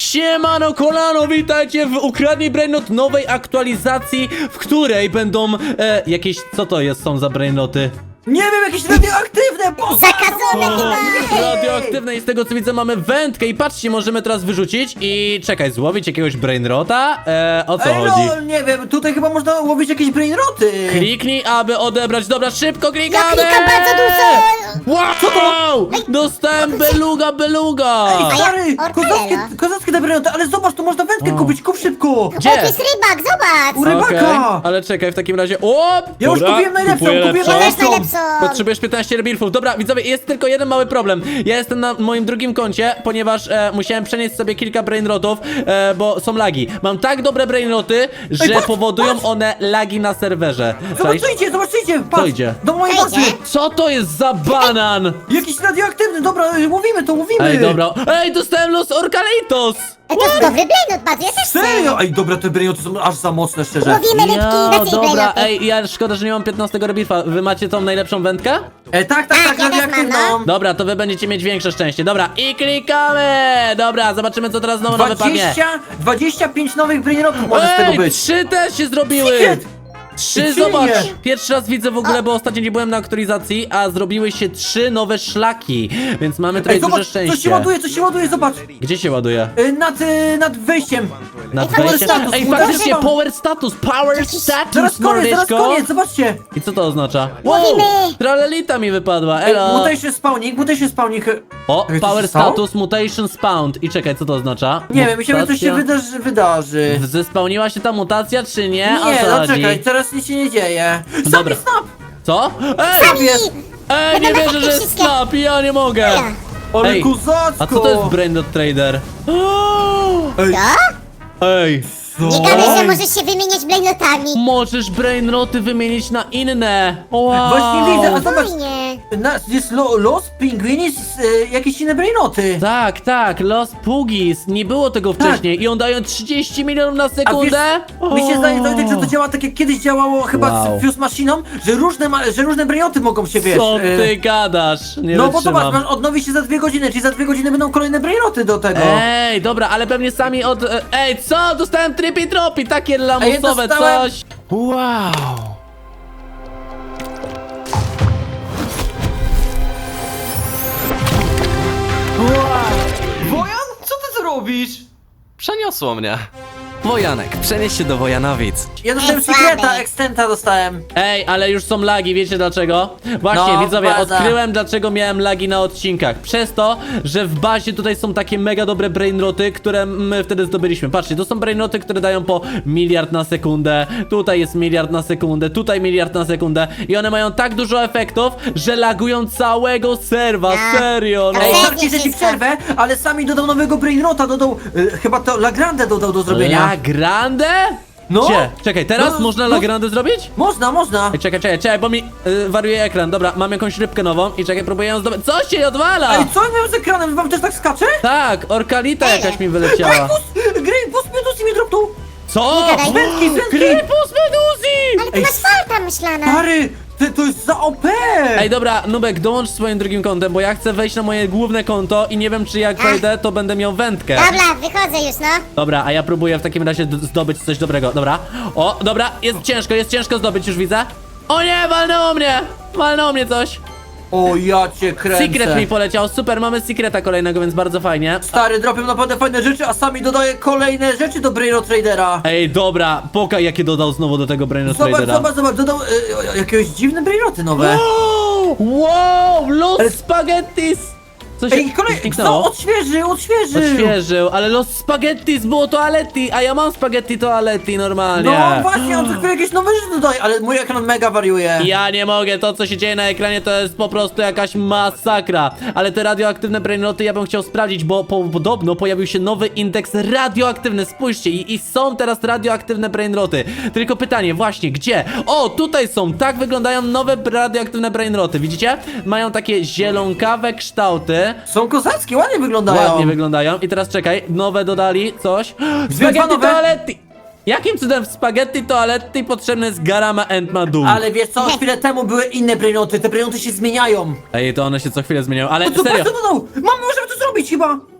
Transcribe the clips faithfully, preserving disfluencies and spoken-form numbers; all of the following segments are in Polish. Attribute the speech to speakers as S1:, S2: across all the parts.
S1: Siemano kolano, witajcie w Ukradnij Brainrot nowej aktualizacji, w której będą e, jakieś, co to jest, są za brainroty?
S2: Nie wiem, jakieś radioaktywne! Bo...
S3: Zakazane chyba!
S1: Radioaktywne i z tego co widzę mamy wędkę i patrzcie, możemy teraz wyrzucić i czekaj, złowić jakiegoś brainrota? E, o co
S2: Ej,
S1: chodzi?
S2: no, nie wiem, tutaj chyba można łowić jakieś brainroty!
S1: Kliknij, aby odebrać. Dobra, szybko klikamy!
S3: Ja klikam bardzo dużo!
S1: Wow! Dostałem beluga, beluga!
S2: Ej, stary,
S3: Ortelo.
S2: kozackie, kozackie te brainroty, ale zobacz, tu można wędkę kupić, kup szybko!
S1: Gdzie?
S3: O, to jest rybak, zobacz!
S2: U rybaka!
S1: Okej, ale czekaj, w takim razie. O!
S2: Ja już
S1: Dobra,
S2: kupiłem najlepszą,
S1: kupuję
S2: kupiłem
S1: lepszą.
S3: Ja też
S2: najlepszą!
S3: najlepszą!
S1: Potrzebujesz piętnaście rebirfów. Dobra, widzowie, jest tylko jeden mały problem. Ja jestem na moim drugim koncie, ponieważ e, musiałem przenieść sobie kilka brainrotów, e, bo są lagi. Mam tak dobre brainroty, że
S2: patrz,
S1: powodują
S2: patrz.
S1: one lagi na serwerze. Cześć.
S2: Zobaczycie, zobaczycie! Patrz,
S1: idzie?
S2: do mojej
S3: Co
S2: bazy!
S3: idzie?
S1: Co to jest za banan?
S2: Jakiś radioaktywny, dobra, mówimy to, mówimy!
S1: Ej, dobra. Ej, dostałem los Orcaleitos!
S3: Ej, to jest dobry brainrot, bardzo, ja też chcę!
S2: Serio? Ej, dobra, te brainroty są aż za mocne, szczerze.
S3: Łowimy rybki,
S1: Ja,
S3: więcej
S1: dobra,
S3: brainroty!
S1: ej, ja szkoda, że nie mam piętnastego rebirfa. Wy macie tą najlepszą wędkę?
S2: E, tak, tak,
S3: Tak,
S2: tak,
S3: ja też mam,
S2: radioaktywną!
S3: no.
S1: Dobra, to wy będziecie mieć większe szczęście. Dobra, i klikamy! Dobra, zobaczymy co teraz znowu nam wypadnie.
S2: dwadzieścia, dwadzieścia pięć nowych brainrotów może z tego
S1: Ej,
S2: być!
S1: trzy też się zrobiły!
S2: Secret!
S1: Trzy,
S2: Trzy
S1: zobacz!
S2: nie.
S1: Pierwszy raz widzę w ogóle, bo ostatnio nie byłem na aktualizacji, a zrobiły się trzy nowe szlaki, więc mamy tutaj
S2: Ej,
S1: duże
S2: zobacz,
S1: szczęście.
S2: coś się ładuje, coś się ładuje, zobacz!
S1: Gdzie się ładuje?
S2: E, nad, e, nad wejściem!
S1: Nad
S3: Ej,
S1: wejściem?
S2: status,
S1: Ej,
S2: udało
S1: faktycznie,
S2: się.
S1: power status, power status,
S2: Zaraz koniec, zaraz
S1: mordeczko.
S2: koniec, zobaczcie!
S1: I co to oznacza?
S3: Łowimy.
S1: Tralelita mi wypadła,
S2: Ej,
S1: elo!
S2: mutation spawnik, mutation spawnik.
S1: O,
S2: Ej, co
S1: power
S2: się stało?
S1: status, mutation spawned. I czekaj, co to oznacza?
S2: Nie wiem, myślałem, że coś się
S1: Mutacja?
S2: wydarzy. wydarzy.
S1: Zespałniła się ta mutacja, czy nie? O
S2: Nie,
S1: co
S2: no
S1: chodzi?
S2: czekaj, teraz nic się nie dzieje.
S1: Dobra.
S2: Snap, snap!
S1: Co? Ej!
S3: Sami!
S1: Ej, nie
S3: Będą
S1: wierzę, że jest
S3: wszystkie.
S1: snap, ja nie mogę!
S3: Ja.
S2: Ale
S1: Ej,
S2: kozacko!
S1: A co to jest Brainrot Trader?
S2: Ej,
S3: Co?
S1: Ej!
S3: Nie gadaj, że możesz się wymieniać brainrotami!
S1: Możesz Brainroty wymienić na inne! Wow!
S2: Właśnie widzę, a zobacz,
S3: Fajnie!
S2: na, jest lo, los, pingwinis, e, jakieś inne brainoty.
S1: Tak, tak, Los Puggies, nie było tego
S2: Tak.
S1: wcześniej i on daje trzydzieści milionów na
S2: A wiesz,
S1: sekundę?
S2: mi się zdaje, Wojtek, że to
S1: O.
S2: działa tak jak kiedyś działało chyba
S1: Wow.
S2: z Fuse Machiną, że różne, ma, że różne brainoty mogą się, wiesz...
S1: Co
S2: e,
S1: ty gadasz? Nie
S2: No bo
S1: wytrzymam.
S2: zobacz, man, odnowi się za dwie godziny, czyli za dwie godziny będą kolejne brainoty do tego.
S1: Ej, dobra, ale pewnie sami od... e, Ej, co? Dostałem tripi tropi, takie lamusowe
S2: dostałem-
S1: coś. Wow.
S4: Wojan, co ty tu robisz? Przeniosło mnie. Wojanek, przenieś się do Wojanowic.
S2: Ja dostałem
S3: Ej, słaby.
S2: sekreta, extenta dostałem.
S1: Ej, ale już są lagi, wiecie dlaczego? Właśnie,
S2: No,
S1: widzowie,
S2: baza.
S1: odkryłem dlaczego miałem lagi na odcinkach. Przez to, że w bazie tutaj są takie mega dobre brainroty, które my wtedy zdobyliśmy. Patrzcie, to są brainroty, które dają po miliard na sekundę. Tutaj jest miliard na sekundę, tutaj miliard na sekundę. I one mają tak dużo efektów, że lagują całego serwa.
S3: A.
S1: Serio, no.
S2: Ej,
S3: Ej,
S2: żarcie, że ci
S3: wszystko.
S2: przerwę, ale sami dodał nowego brainrota, dodał, e, chyba to La Grande dodał do zrobienia.
S1: La Grande?
S2: No.
S1: Gdzie? Czekaj, teraz
S2: No,
S1: można
S2: no.
S1: La Grande zrobić?
S2: Można, można.
S1: Ej, czekaj, czekaj, czekaj, bo mi y, wariuje ekran. Dobra, mam jakąś rybkę nową i czekaj, próbuję ją zdobyć. Co się odwala?
S2: Ej, co ja miałem z ekranem? Wam też tak skacze?
S1: Tak, orkalita jakaś mi
S2: Ej,
S1: wyleciała.
S2: bus, Green, bus Medusi mi dropnął.
S1: Co?
S3: Nie gadaj.
S2: Wędki, wędki.
S1: Krypus Meduzi!
S3: Ale ty
S2: Ej,
S3: masz falta myślana!
S2: Stary, ty, to jest za O P.
S1: Ej, dobra, Nubek, dołącz swoim drugim kontem, bo ja chcę wejść na moje główne konto i nie wiem, czy jak
S3: A.
S1: wejdę, to będę miał wędkę.
S3: Dobra, wychodzę już, no!
S1: Dobra, a ja próbuję w takim razie d- zdobyć coś dobrego. Dobra. O, dobra, jest ciężko, jest ciężko zdobyć, już widzę. O nie, walnęło mnie! Walnęło mnie coś.
S2: O, ja cię kręcę.
S1: Secret mi poleciał, super, mamy secreta kolejnego, więc bardzo fajnie.
S2: Stary, dropią naprawdę fajne rzeczy, a sami dodaje kolejne rzeczy do Brainrot Tradera.
S1: Ej, dobra, pokaj jakie dodał znowu do tego Brainrot
S2: Zobacz,
S1: Tradera.
S2: zobacz, zobacz, dodał e, jakieś dziwne brainoty nowe.
S1: Wow, los
S2: Ale-
S1: spaghettis! Co się
S2: Ej, kolej, no,
S1: zniknęło?
S2: odświeżył, odświeżył.
S1: Odświeżył, ale los spaghettis było toaletti, a ja mam spaghetti toaletti normalnie.
S2: No właśnie, on co chwilę jakieś nowe rzeczy dodaje, ale mój ekran mega wariuje.
S1: Ja nie mogę, to co się dzieje na ekranie to jest po prostu jakaś masakra. Ale te radioaktywne brainroty ja bym chciał sprawdzić, bo po, podobno pojawił się nowy indeks radioaktywny, spójrzcie, i, i są teraz radioaktywne brainroty. Tylko pytanie, właśnie, gdzie? O, tutaj są, tak wyglądają nowe radioaktywne brainroty, widzicie? Mają takie zielonkawe kształty.
S2: Są kozackie, ładnie wyglądają.
S1: Ładnie wyglądają. I teraz czekaj, nowe dodali coś.
S2: Dwa
S1: Spaghetti
S2: nowe?
S1: toaletti! Jakim cudem w spaghetti toaletti potrzebny jest Garama and Madum?
S2: Ale wiesz co, chwilę temu były inne brainoty, te brainoty się zmieniają.
S1: Ej, to one się co chwilę zmieniają, ale
S2: No co,
S1: serio.
S2: patrz co dodał? Mamy, możemy to zrobić chyba.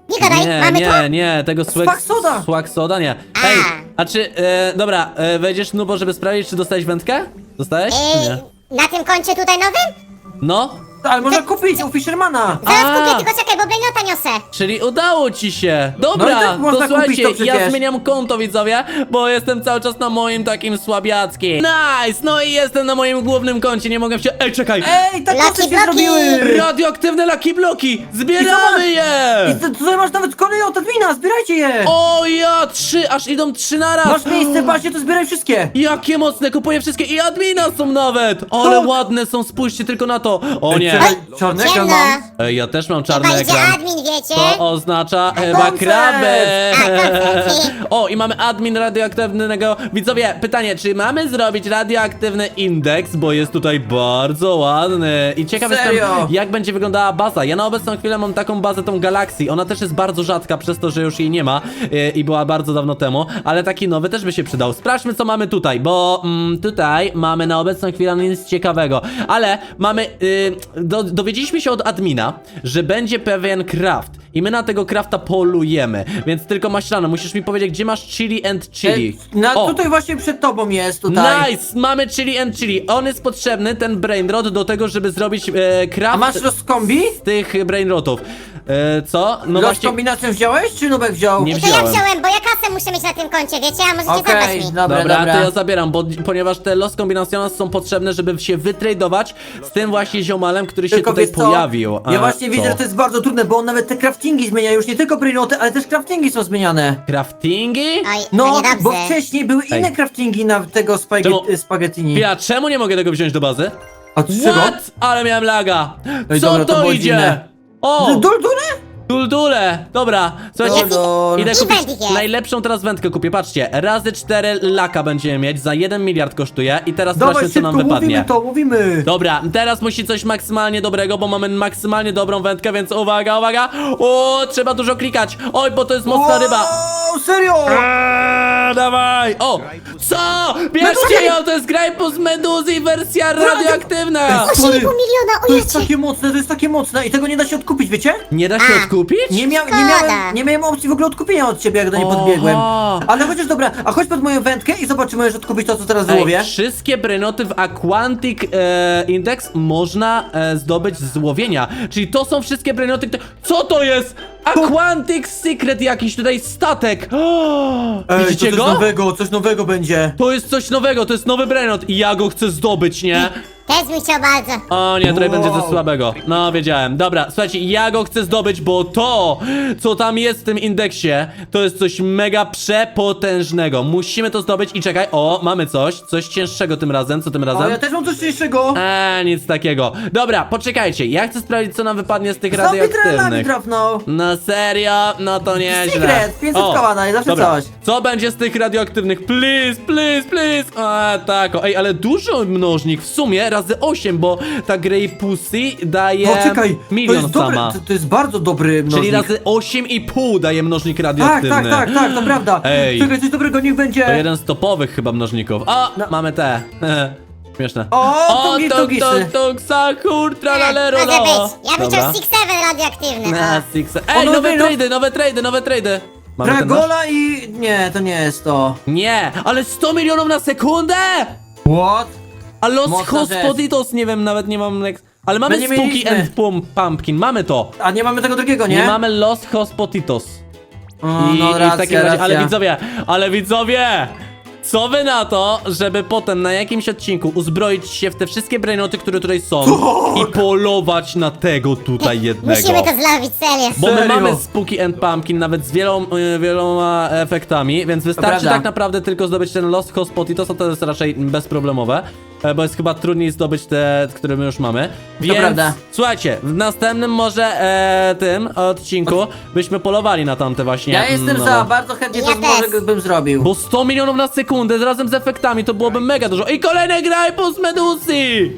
S3: Nie gadaj,
S1: Nie,
S3: mamy to?
S1: nie, nie, tego swag,
S2: Swag soda.
S1: swag soda nie.
S3: A.
S1: Ej, a czy, e, dobra, e, wejdziesz Nubo, żeby sprawdzić, czy dostałeś wędkę? Dostałeś, czy
S3: Ej,
S1: nie?
S3: na tym koncie tutaj nowym?
S1: No,
S2: Ale można kupić u Fishermana.
S3: Zaraz
S1: A.
S3: kupię, tylko czekaj, bo Blainota niosę.
S1: czyli udało ci się.
S2: No i
S1: Dobra,
S2: tak można
S1: to
S2: kupić
S1: słuchajcie,
S2: to
S1: ja
S2: przecież.
S1: zmieniam konto, widzowie, bo jestem cały czas na moim takim słabiackim. Nice, no i jestem na moim głównym koncie, nie mogę się... Ej, czekaj!
S2: Ej, tak
S3: Lucky
S2: co się
S3: bloki.
S2: zrobiły.
S1: Radioaktywne Lucky Bloki!
S2: I
S1: Zbieramy
S2: zobacz,
S1: je!
S2: I ty- tutaj masz nawet kolejne od admina, zbierajcie je.
S1: O ja, trzy, aż idą trzy naraz!
S2: Masz miejsce, patrzcie, to zbieraj wszystkie.
S1: Jakie mocne, kupuję wszystkie i admina są nawet! Ale
S2: Tak.
S1: ładne są, spójrzcie tylko na to! O
S2: Ej,
S1: nie!
S2: czekaj, czarny ekran
S3: Ciemno.
S2: mam.
S1: Ej, ja też mam czarny
S3: Chyba idzie
S1: ekran.
S3: admin, wiecie?
S1: To oznacza chyba
S2: koncert!
S1: krabę!
S3: A, koncerty.
S1: O, i mamy admin radioaktywnego. Widzowie, pytanie, czy mamy zrobić radioaktywny indeks, bo jest tutaj bardzo ładny. I ciekaw jestem,
S2: Serio?
S1: jak będzie wyglądała baza. Ja na obecną chwilę mam taką bazę, tą Galaxy. Ona też jest bardzo rzadka, przez to, że już jej nie ma yy, i była bardzo dawno temu, ale taki nowy też by się przydał. Sprawdźmy, co mamy tutaj, bo mm, tutaj mamy na obecną chwilę nic ciekawego, ale mamy, yy, do, dowiedzieliśmy się od admina, że będzie pewien craft i my na tego crafta polujemy, więc tylko Maślano, musisz mi powiedzieć, gdzie masz chili and chili.
S2: Ej, na,
S1: O,
S2: tutaj właśnie przed tobą jest, tutaj.
S1: nice, mamy chili and chili. On jest potrzebny, ten brainrot, do tego, żeby zrobić e, craft
S2: A masz rozkombi?
S1: z tych brainrotów. E, co? No
S2: Los
S1: właśnie,
S2: kombinację wziąłeś, czy Nubek wziął?
S1: Nie
S3: To ja
S1: wziąłem.
S3: wziąłem, bo ja kasę muszę mieć na tym koncie, wiecie? A możecie
S2: Okej,
S3: zabrać mi.
S2: dobra,
S1: dobra,
S2: dobra.
S1: to ja zabieram, bo, ponieważ te los combinaciones są potrzebne, żeby się wytradować z tym właśnie ziomalem, który się
S2: Tylko
S1: tutaj
S2: wiesz co?
S1: pojawił. A,
S2: Ja właśnie
S1: co?
S2: widzę, że to jest bardzo trudne, bo on nawet te craftingi zmienia, już nie tylko brainoty, ale też craftingi są zmieniane.
S1: Craftingi?
S3: Oj,
S2: No,
S3: no niedobrze.
S2: bo wcześniej były
S1: Ej.
S2: inne craftingi na tego spaghetti,
S1: Czemu-
S2: spaghettini.
S1: Ja czemu nie mogę tego wziąć do bazy?
S2: A z czego?
S1: What? Ale miałem laga.
S2: Ej,
S1: Co
S2: dobra, to
S1: to
S2: było
S1: idzie?
S2: dziwne.
S1: O!
S2: Duldule?
S1: Duldule! Dobra, słuchajcie,
S2: Dol.
S1: idę
S3: I
S1: kupić
S3: wędki jest.
S1: najlepszą teraz wędkę kupię, patrzcie, razy cztery laka będziemy mieć, za jeden miliard kosztuje i teraz
S2: Dawaj
S1: zobaczmy, co nam
S2: szybko,
S1: wypadnie.
S2: mówimy to, mówimy.
S1: Dobra, teraz musi coś maksymalnie dobrego, bo mamy maksymalnie dobrą wędkę, więc uwaga, uwaga! O, trzeba dużo klikać! Oj, bo to jest mocna ryba!
S2: O, serio?
S1: Eee, dawaj! O! Co? Bierzcie ją, to jest Grajpus Meduzy, wersja radioaktywna!
S3: osiem i pół miliona,
S2: To jest
S3: ojecie.
S2: takie mocne, to jest takie mocne i tego nie da się odkupić, wiecie?
S1: Nie da się
S3: A.
S1: odkupić?
S2: Nie, mia nie,
S3: Szkoda.
S2: miałem, nie miałem opcji w ogóle odkupienia od ciebie, jak do niej
S1: Oho.
S2: podbiegłem. Ale chociaż dobra, a chodź pod moją wędkę i zobacz, czy możesz odkupić to, co teraz wyłowię.
S1: Ej, wszystkie brainoty w Aquantic e, Index można e, zdobyć z łowienia. Czyli to są wszystkie brainoty, które... Co to jest? Aquantic Secret jakiś tutaj statek. O,
S2: Ej, to
S1: widzicie
S2: coś
S1: go?
S2: nowego, coś nowego będzie.
S1: To jest coś nowego, to jest nowy brainot i ja go chcę zdobyć, nie?
S3: Też bym chciał bardzo.
S1: O nie, tutaj
S2: Wow.
S1: będzie ze słabego. No, wiedziałem. Dobra, słuchajcie, ja go chcę zdobyć, bo to, co tam jest w tym indeksie, to jest coś mega przepotężnego. Musimy to zdobyć i czekaj, o, mamy coś, coś cięższego tym razem, co tym
S2: O,
S1: razem?
S2: ja też mam coś cięższego.
S1: Eee, nic takiego. Dobra, poczekajcie, ja chcę sprawdzić, co nam wypadnie z tych
S2: Zombie trelami
S1: radioaktywnych.
S2: trafnął.
S1: No serio? No to nieźle.
S2: Secret, pięćset
S1: O,
S2: koła daje, zawsze
S1: dobra.
S2: coś.
S1: Co będzie z tych radioaktywnych? Please, please, please. A, tak. o, Ej, ale dużo mnożnik w sumie razy osiem, bo ta Grey Pussy daje
S2: No czekaj, to
S1: milion
S2: jest, dobry,
S1: sama.
S2: to, to jest bardzo dobry mnożnik.
S1: Czyli razy osiem i pół daje mnożnik
S2: Tak,
S1: radioaktywny.
S2: tak, tak, tak, to prawda.
S1: Ej.
S2: Czekaj, coś dobrego niech będzie.
S1: To jeden z topowych chyba mnożników. O,
S2: No.
S1: mamy te. Śmieszne.
S2: O,
S1: o,
S2: tungi,
S1: tung,
S2: tungisy.
S1: tung, tung, sakur, tralalero,
S3: Może
S1: no.
S3: być. Ja bym
S1: Dobra.
S3: chciał six seven radioaktywny.
S1: Na
S3: o.
S1: six.
S2: O,
S1: Ej,
S2: nowy,
S1: nowe
S2: no-
S1: trady, nowe trady, nowe trady. Mamy ten nasz?
S2: Dragola i... Nie, to nie jest to.
S1: Nie, ale sto milionów na sekundę!
S2: What?
S1: A Los
S2: Mocna rzecz.
S1: Hospoditos, nie wiem, nawet nie mam... next- Ale mamy
S2: My nie
S1: Spooky
S2: mieliśmy.
S1: and Pum Pumpkin, mamy to.
S2: A nie mamy tego drugiego, nie?
S1: Nie mamy Los Hospoditos.
S2: O,
S1: I,
S2: no
S1: i w
S2: racja,
S1: takim razie,
S2: racja.
S1: ale widzowie, ale widzowie! Co wy na to, żeby potem na jakimś odcinku uzbroić się w te wszystkie brainoty, które tutaj są i polować na tego tutaj jednego?
S3: Musimy to zlowić, serio.
S1: Bo my
S2: Serio?
S1: mamy Spooky and Pumpkin nawet z wieloma, y, wieloma efektami, więc wystarczy
S2: prawda.
S1: tak naprawdę tylko zdobyć ten Lost Hospoditos, to jest raczej bezproblemowe, e, bo jest chyba trudniej zdobyć te, które my już mamy. Więc
S2: prawda.
S1: słuchajcie, w następnym może e, tym odcinku byśmy polowali na tamte właśnie.
S2: Ja jestem
S1: no.
S2: za, bardzo chętnie to
S3: Ja
S2: może
S3: też.
S2: bym zrobił.
S1: Bo sto milionów na sekundę razem z efektami to byłoby mega dużo. I kolejny Grajpus Meduzy!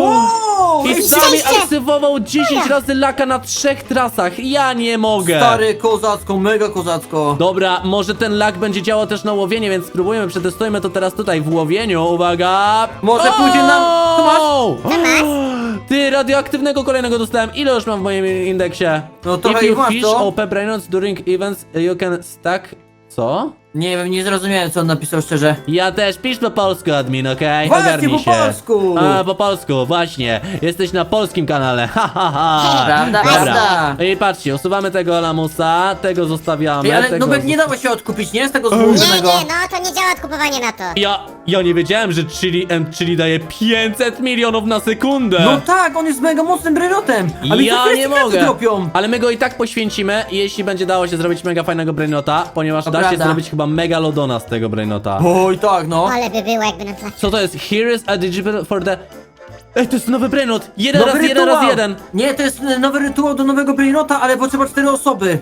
S2: Wow!
S1: I
S2: ej,
S1: sami
S3: szczęście!
S1: aktywował dziesięć razy laka na trzech trasach. Ja nie mogę.
S2: Stary, kozacko, mega kozacko.
S1: Dobra, może ten lak będzie działał też na łowienie, więc spróbujemy, przetestujmy to teraz tutaj w łowieniu. Uwaga!
S2: Może
S1: O!
S2: pójdzie nam... Co masz?
S3: Co masz?
S1: Ty, radioaktywnego kolejnego dostałem. Ile już mam w moim indeksie?
S2: No trochę
S1: If you
S2: ich masz,
S1: fish
S2: co?
S1: O P brainrots during events, you can stack... Co?
S2: Nie wiem, nie zrozumiałem, co on napisał szczerze.
S1: Ja też, pisz po polsku, admin, okej?
S2: Właśnie,
S1: Ogarnij
S2: po
S1: się.
S2: polsku.
S1: A, po polsku, właśnie. Jesteś na polskim kanale, ha, ha, ha.
S2: Prawda,
S1: Dobra.
S2: prawda.
S1: I patrzcie, usuwamy tego lamusa, tego zostawiamy.
S2: Ej, ale
S1: tego
S2: Nubek nie
S1: zos-
S2: dało się odkupić, nie? Z tego
S3: Nie,
S2: złożonego.
S3: nie, no to nie działa odkupowanie na to.
S1: Ja, ja nie wiedziałem, że Chili and Chili daje pięćset milionów na sekundę.
S2: No tak, on jest mega mocnym brainotem. A mi
S1: ja
S2: co
S1: nie
S2: sekrety
S1: mogę.
S2: dropią.
S1: Ale my go i tak poświęcimy, jeśli będzie dało się zrobić mega fajnego brainota, ponieważ
S2: To
S1: da się
S2: prawda.
S1: zrobić chyba megalodona z tego brainota.
S2: Oj, tak, no.
S3: Ale by było, jakby nam trafił.
S1: Co to jest? Here is a digital for the... Ej, to jest nowy brainot! Jeden
S2: Nowy
S1: raz, jeden
S2: rytuał.
S1: raz jeden!
S2: Nie, to jest e, nowy rytuał do nowego brainota, ale potrzeba cztery osoby.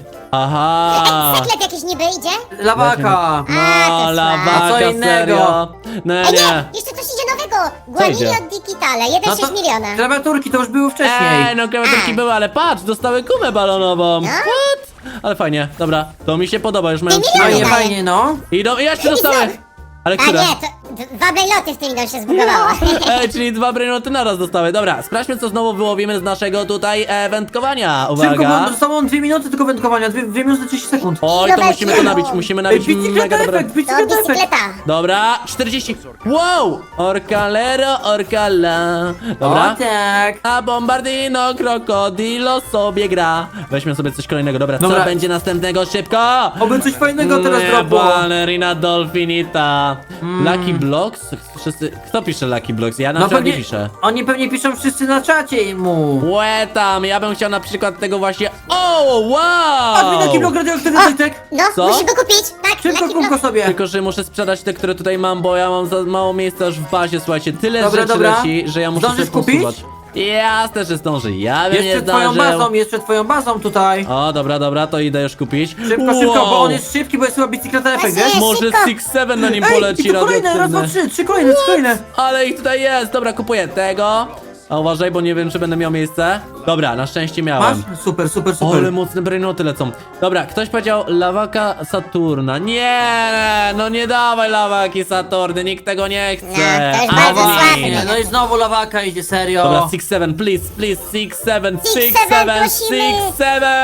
S1: Aha!
S3: Seklet jakiś niby idzie?
S2: Lawaka.
S3: A,
S1: No,
S3: to
S1: lawaka,
S2: A co innego?
S1: serio? No
S3: Ej,
S1: nie.
S3: nie, jeszcze coś idzie nowego.
S1: idzie?
S3: Guanilio Digitale, jeden
S2: No
S3: przeciw
S2: to
S3: miliona.
S2: klawiaturki to już były wcześniej.
S1: Ej, no klawiaturki
S3: A.
S1: były, ale patrz, dostały gumę balonową.
S3: No.
S1: What? Ale fajnie, dobra, to mi się podoba, już mają
S3: Ty
S1: trzy
S3: miliony
S2: Fajnie,
S1: miliony.
S3: daje.
S2: fajnie, no.
S1: Idą, i jeszcze
S3: I
S1: dostały!
S3: znowu.
S1: Ale
S3: A
S1: które?
S3: nie, to d- dwa brejloty w tym idą się zbugowało.
S1: Ej, czyli dwa brainoty naraz dostały. Dobra, sprawdźmy, co znowu wyłowimy z naszego tutaj e, wędkowania.
S2: Szybko,
S1: Uwaga.
S2: bo zostało dwie minuty tylko wędkowania, dwie, dwie minuty trzydzieści sekund.
S1: Oj, to musimy to nabić, musimy
S2: Ej,
S1: nabić mega
S2: bicykleta
S1: dobre...
S2: efekt,
S3: To
S2: bicykleta efekt.
S3: bicykleta.
S1: Dobra, czterdzieści. Wow! Orcalero, orcala. Dobra.
S2: O tak.
S1: A bombardino, krokodilo sobie gra. Weźmy sobie coś kolejnego. Dobra,
S2: Dobra.
S1: co będzie następnego? Szybko!
S2: Oby coś fajnego teraz
S1: Nie,
S2: dropło.
S1: Ballerina Dolfinita. Lucky Blocks? Wszyscy... Kto pisze Lucky Blocks? Ja na
S2: No
S1: przykład nie
S2: pewnie,
S1: piszę.
S2: oni pewnie piszą wszyscy na czacie mu.
S1: Łe tam, ja bym chciał na przykład tego właśnie... O,
S2: Admin,
S1: wow!
S2: jaki blok radioaktywny Zytek?
S3: No,
S1: Co?
S3: musisz go kupić. Tak,
S2: Szybko
S3: Lucky
S2: kup go
S3: Block.
S2: sobie.
S1: Tylko, że muszę sprzedać te, które tutaj mam, bo ja mam za mało miejsca już w bazie, słuchajcie. Tyle
S2: Dobra,
S1: rzeczy
S2: dobra.
S1: leci, że ja muszę
S2: Zdążysz
S1: sobie
S2: kupić?
S1: posuwać. Jasne, że zdążę. Ja bym
S2: Jest
S1: nie
S2: przed twoją
S1: zdążył.
S2: bazą, jest przed twoją bazą tutaj.
S1: O, dobra, dobra, to idę już kupić.
S2: Szybko, szybko, bo on jest szybki, bo jest chyba bicykleta efekt,
S3: Właśnie.
S2: wiesz?
S1: Może
S3: szybko.
S1: six seven na nim
S2: Ej,
S1: poleci
S2: i to kolejne, raz, dwa,
S1: radioaktywny.
S2: trzy, trzy kolejne, trzy kolejne.
S1: Ale ich tutaj jest, dobra, kupuję tego. A uważaj, bo nie wiem, czy będę miał miejsce. Dobra, na szczęście
S2: Masz?
S1: miałem.
S2: Super, super,
S1: O, ale
S2: super.
S1: mocne brainoty lecą. Dobra, ktoś powiedział lawaka Saturna. Nie, no nie dawaj lawaki Saturny, nikt tego nie chce.
S3: No, to jest
S2: A
S3: bardzo
S2: właśnie,
S3: słabe.
S2: no i znowu lawaka idzie, serio.
S1: Dobra, six seven, please, please, six seven,
S3: Six
S1: six
S3: seven,
S1: seven,
S3: prosimy.
S1: six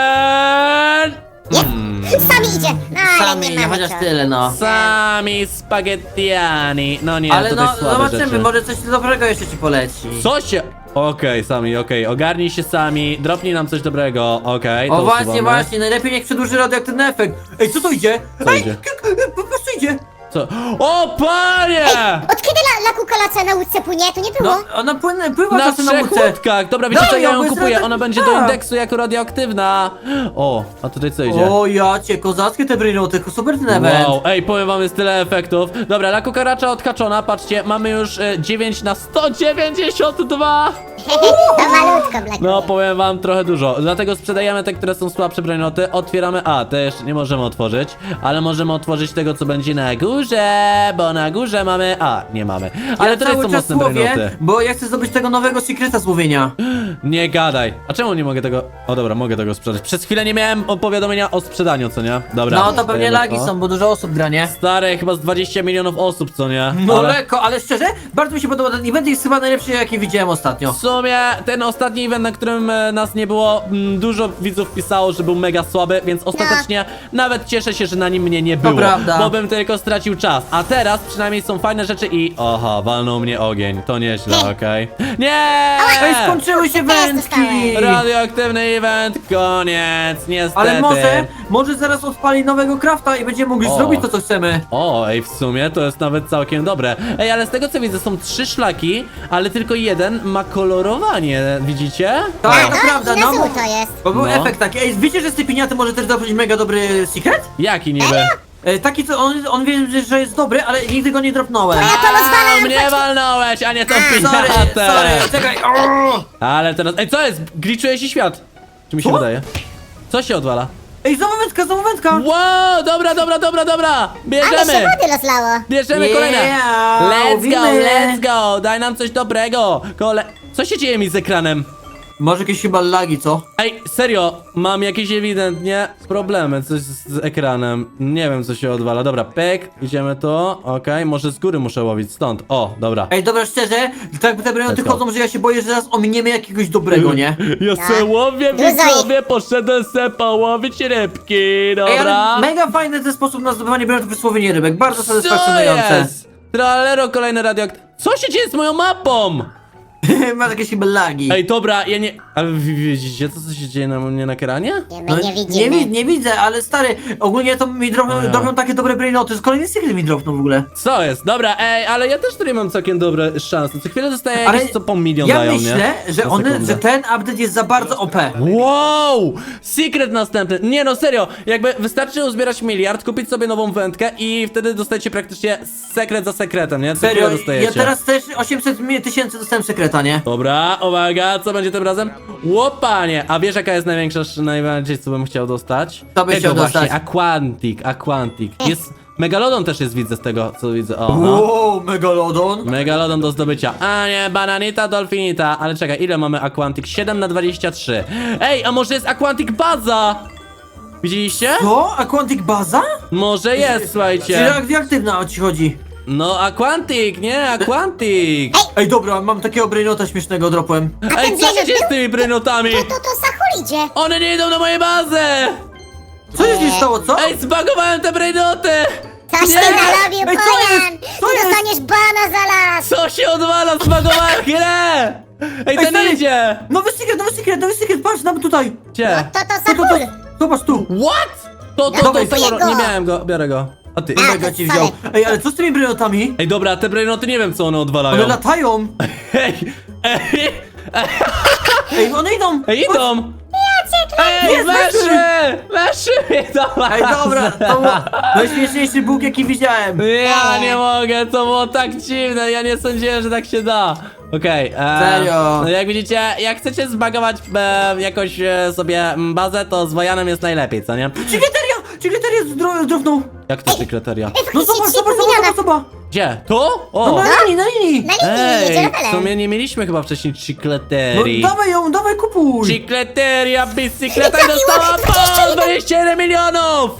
S1: seven.
S3: Sami idzie. No, ale
S2: Sami,
S3: nie mamy
S2: chociaż
S3: co.
S2: tyle, no.
S1: Sami spaghettiani. No nie,
S2: Ale
S1: tutaj
S2: no,
S1: słabe
S2: zobaczymy,
S1: rzeczy.
S2: może coś dobrego jeszcze ci poleci.
S1: Co się... Okej, sami, okej, ogarnij się sami, dropnij nam coś dobrego, okej, to
S2: O właśnie,
S1: usuwamy.
S2: właśnie, najlepiej niech przedłuży radioaktywny efekt. Ej, co to idzie?
S1: Co
S2: Ej,
S1: idzie?
S2: k- k- po prostu idzie.
S1: Co? O, panie!
S3: Od kiedy la, la kukolaca na łódce płynie? Tu nie było.
S2: No, ona płynie, pływa
S1: Na
S2: czasem na
S1: trzech
S2: łódce.
S1: łódkach! Dobra, wiecie
S2: Dawaj
S1: co, ja
S2: ją,
S1: ją
S2: bo jest
S1: kupuję,
S2: radio-
S1: ona będzie do
S2: tak.
S1: indeksu jako radioaktywna. O, a tutaj co idzie?
S2: O jacie, kozackie te brainoty, super ten event.
S1: Wow, ej, powiem wam, jest tyle efektów. Dobra, la kukaracza odhaczona, patrzcie, mamy już e, dziewięć na sto dziewięćdziesiąt dwa.
S3: To malutko, Black.
S1: No, powiem wam trochę dużo. Dlatego sprzedajemy te, które są słabsze brainoty. Otwieramy. A, te jeszcze nie możemy otworzyć, ale możemy otworzyć tego, co będzie na górze, bo na górze mamy. A, nie mamy. Ale
S2: ja
S1: tutaj
S2: cały
S1: są
S2: czas
S1: mocne
S2: łowię,
S1: brainoty.
S2: bo ja chcę zdobyć tego nowego secreta z łowienia.
S1: Nie gadaj. A czemu nie mogę tego. O dobra, mogę tego sprzedać. Przez chwilę nie miałem powiadomienia o sprzedaniu, co nie? Dobra.
S2: No to pewnie
S1: dajemy
S2: lagi
S1: to.
S2: są, bo dużo osób gra, nie?
S1: Stare, chyba z dwadzieścia milionów osób, co nie?
S2: No
S1: Ale
S2: lekko, ale szczerze, bardzo mi się podoba ten event, jest chyba najlepszy, jaki widziałem ostatnio.
S1: w sumie ten ostatni event, na którym e, nas nie było, m, dużo widzów pisało, że był mega słaby, więc ostatecznie nawet cieszę się, że na nim mnie nie było.
S2: prawda.
S1: Bo bym tylko stracił czas. A teraz przynajmniej są fajne rzeczy i. Oha, walnął mnie ogień. To nieźle, okej. Nie!
S2: Ej, skończyły się
S3: Teraz
S2: wędki!
S3: dostałem.
S1: Radioaktywny event, koniec, niestety.
S2: Ale może, może zaraz odpali nowego crafta i będziemy mogli
S1: O.
S2: zrobić to, co chcemy.
S1: O, ej, w sumie to jest nawet całkiem dobre. Ej, ale z tego co widzę, są trzy szlaki, ale tylko jeden ma kolorowanie, widzicie?
S2: Tak,
S3: No,
S2: to prawda,
S3: i na
S2: no. bo-
S3: złoto jest.
S2: Bo był
S1: No.
S2: efekt taki. Ej, wiecie, że z tej piniaty może też zrobić mega dobry secret?
S1: Jaki niby?
S2: E, taki, co on, on wie, że jest dobry, ale nigdy go nie dropnąłem.
S3: Ja to rozwalam,
S1: A, mnie
S3: chodź.
S1: walnąłeś, a nie tą
S2: Sorry,
S1: pinatę.
S2: sorry, czekaj. O!
S1: Ale teraz, ej, co jest? Glitchuje się świat. Czy mi się
S2: Co?
S1: wydaje? Co się odwala?
S2: Ej, znowu wędka, znowu wędka!
S1: Wow, dobra, dobra, dobra, dobra.
S3: Ale
S1: Bierzemy.
S3: się wody rozlało.
S1: Bierzemy
S2: Yeah,
S1: kolejne. Let's go,
S2: łowimy.
S1: let's go. Daj nam coś dobrego. Kole... Co się dzieje mi z ekranem?
S2: Może jakieś chyba lagi, co?
S1: Ej, serio, mam jakieś ewidentnie problemy coś z, z ekranem. Nie wiem, co się odwala. Dobra, pyk, idziemy tu. Okej, może z góry muszę łowić, stąd. O, dobra.
S2: Ej, dobra, szczerze, tak te brenoty
S1: Let's go.
S2: chodzą, że ja się boję, że zaraz ominiemy jakiegoś dobrego, nie?
S1: Ja
S3: No.
S1: se łowię,
S3: Dużo
S1: widzowie, poszedłem se połowić rybki,
S2: Ej,
S1: dobra?
S2: ale mega fajny ten sposób na zdobywanie brenotów w słowienie rybek, bardzo
S1: Co
S2: satysfakcjonujące.
S1: jest? Tralero, kolejny radioakt... Co się dzieje z moją mapą?
S2: Masz jakieś chyba lagi.
S1: Ej, dobra, ja nie... Ale wy widzicie, co, co się dzieje na mnie na ekranie?
S3: Nie,
S2: No,
S3: my nie
S2: nie,
S3: widzimy.
S2: wi- nie widzę, ale stary, ogólnie to mi drobią,
S1: O ja.
S2: drobią takie dobre brainoty, z kolejny secret mi dropną w ogóle.
S1: Co jest? Dobra, ej, ale ja też tutaj mam całkiem dobre szanse. Co chwilę dostaję
S2: Ale
S1: jakieś co po milion
S2: ja
S1: dają,
S2: myślę,
S1: nie?
S2: że
S1: Na
S2: one,
S1: sekundę.
S2: że ten update jest za bardzo O P.
S1: Wow! Secret następny. Nie no, serio. Jakby wystarczy uzbierać miliard, kupić sobie nową wędkę i wtedy dostajecie praktycznie sekret za sekretem, nie? Co
S2: Serio,
S1: chwilę dostajecie.
S2: ja teraz też osiemset mi- tysięcy dostałem sekreta, nie?
S1: Dobra, uwaga, co będzie tym razem? Łopanie! A wiesz jaka jest największa, najbardziej co bym chciał dostać?
S2: Co byś
S1: Tego
S2: chciał
S1: właśnie,
S2: dostać?
S1: Aquantic, Aquantic. Jest... Megalodon też jest, widzę z tego, co widzę. O, no.
S2: Wow, megalodon.
S1: Megalodon do zdobycia. A nie, bananita, dolfinita. Ale czekaj, ile mamy Aquantic? siedem na dwadzieścia trzy. Ej, a może jest Aquantic Baza? Widzieliście?
S2: Co? Aquantic Baza?
S1: Może jest,
S2: Czyli
S1: słuchajcie.
S2: radioaktywna o ci chodzi.
S1: No, Aquantic, nie? Aquantic.
S2: Ej, dobra, mam takiego brainota śmiesznego, dropłem.
S1: Ej,
S3: ten
S1: co się
S3: Blazer
S1: dzieje z
S3: był?
S1: tymi brynotami?
S3: To, to, to Sachul idzie.
S1: One nie idą na moją bazę!
S2: Co się dzieje stało, co?
S1: Ej, zbagowałem te brainoty!
S3: Coś ty
S1: Nie!
S3: narobił,
S2: Ej, co
S3: Pojan!
S2: jest? Co
S3: Ty
S2: jest?
S3: dostaniesz bana za las!
S1: Co się odwala? Zbagowałem grę! Ej, ten
S2: stary,
S1: idzie!
S2: Nowy secret, nowy secret, nowy secret, patrz nam tutaj.
S1: Gdzie?
S3: To, to
S2: To, to, to,
S3: Sachul!
S2: zobacz tu.
S1: What? To, to, to,
S2: Dawaj,
S1: to,
S3: kupuję
S1: to, nie
S3: go.
S1: miałem go, biorę go. A ty?
S3: A,
S2: Mega
S3: to
S2: ci
S3: sorry.
S2: wziął. Ej, ale co z tymi brainotami?
S1: Ej, dobra, te brainoty nie wiem co one odwalają.
S2: One latają.
S1: Ej, ej,
S2: Ej, one idą.
S1: ej, idą! Ej,
S2: Jest,
S1: weszły! Weszły do
S2: Ej, dobra, to był najśmieszniejszy bóg, jaki widziałem.
S1: Ja nie mogę, to było tak dziwne, ja nie sądziłem, że tak się da. Okej, e,
S2: Serio?
S1: no jak widzicie, jak chcecie zbagować e, jakoś e, sobie m, bazę, to z Wojanem jest najlepiej, co nie?
S2: Cigleteria! Cigleteria zdro- zdrowną.
S1: Jak to kryteria?
S3: Ej,
S2: No
S3: faktycznie
S2: zobacz,
S3: trzy
S2: zobacz,
S3: pół
S2: zobacz,
S3: miliona.
S2: zobacz, zobacz.
S1: Gdzie? Tu?
S2: No
S1: O!
S2: na linii, na linii.
S3: Na linii, jedzie
S1: Ej,
S3: na
S1: w
S3: pele.
S1: sumie nie mieliśmy chyba wcześniej
S2: No
S1: chicleterii.
S2: dawaj ją, dawaj kupuj.
S1: Chicleteria, bicykleta i
S3: Trafiło,
S1: dostała
S3: dwadzieścia
S1: po
S3: jeden.
S1: dwadzieścia jeden milionów!